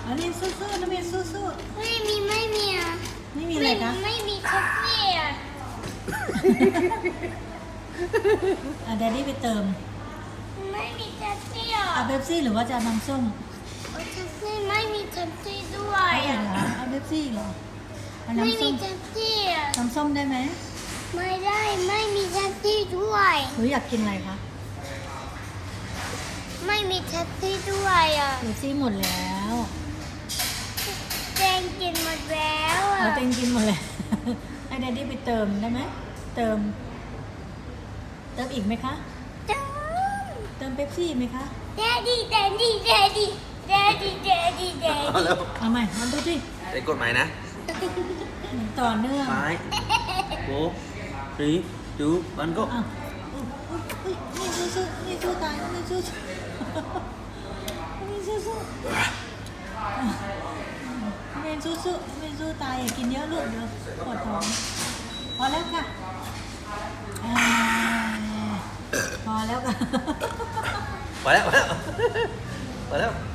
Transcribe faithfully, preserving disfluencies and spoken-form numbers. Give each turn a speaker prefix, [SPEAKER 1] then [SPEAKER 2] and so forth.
[SPEAKER 1] อันนี้สู้ๆนะเมย์สู้
[SPEAKER 2] ไม่มีไม่มีอ่ะ
[SPEAKER 1] ๆไม่มีอะไรคะ
[SPEAKER 2] ไม่มีคาเฟ่อ่ะ
[SPEAKER 1] อ่ะแดดดี้ไปเติม
[SPEAKER 2] ไม่มีคาเฟ่อ่ะ
[SPEAKER 1] เอาเบปซี่หรือว่าจะเอาน้ำส้ม
[SPEAKER 2] คาเฟ่ไม่มีคาเฟ่ด้วย
[SPEAKER 1] เอาอีก
[SPEAKER 2] อ่ะ
[SPEAKER 1] เหรอเอาเบปซี่เหรอเอา
[SPEAKER 2] ไม่
[SPEAKER 1] น้ำส้
[SPEAKER 2] มี
[SPEAKER 1] ม
[SPEAKER 2] คาเฟ่อ่ะ
[SPEAKER 1] น้ำส้มได้ไหม
[SPEAKER 2] ไม่ได้ไม่มีคาเฟ่ด้วย
[SPEAKER 1] หนูอยากกินอะไรคะ
[SPEAKER 2] ไม่มีคาเฟ่ด้วยอ่ะ
[SPEAKER 1] เบปซี่หมดแล้ว
[SPEAKER 2] แจงกินหมดแล้วอ่ะ
[SPEAKER 1] เราเต็งกินหมดเลย ให้แดดดี้ไปเติมได้ไหมเติม เติมอีกไหมคะ
[SPEAKER 2] จัง
[SPEAKER 1] เติมเบปซี่ไหมคะ
[SPEAKER 2] แดดดี้แดดดี้แดดดี้แดดดี้แดดดี้แดด
[SPEAKER 3] เอา
[SPEAKER 2] ดี้
[SPEAKER 3] แล้ว
[SPEAKER 1] เอาใหม่มันดูสิ
[SPEAKER 3] ได้กฎหมายนะ
[SPEAKER 1] ต่อเนื่อง
[SPEAKER 3] ไม้โบสีจูบันก็
[SPEAKER 1] อ้าวอุ๊ยอุ๊ยอุ๊ยนี่สู้สู้นี่สู้ตายนี่สู้สู้นี่สู้สู้เมนสู้สู้เมนสู้ตายอย่ากินเยอะลูกเดี๋ยวปวดท้องพอแล้วค่ะอ่าพอแล้วค่ะ
[SPEAKER 3] มาแล้วมาแล้วมาแล้ว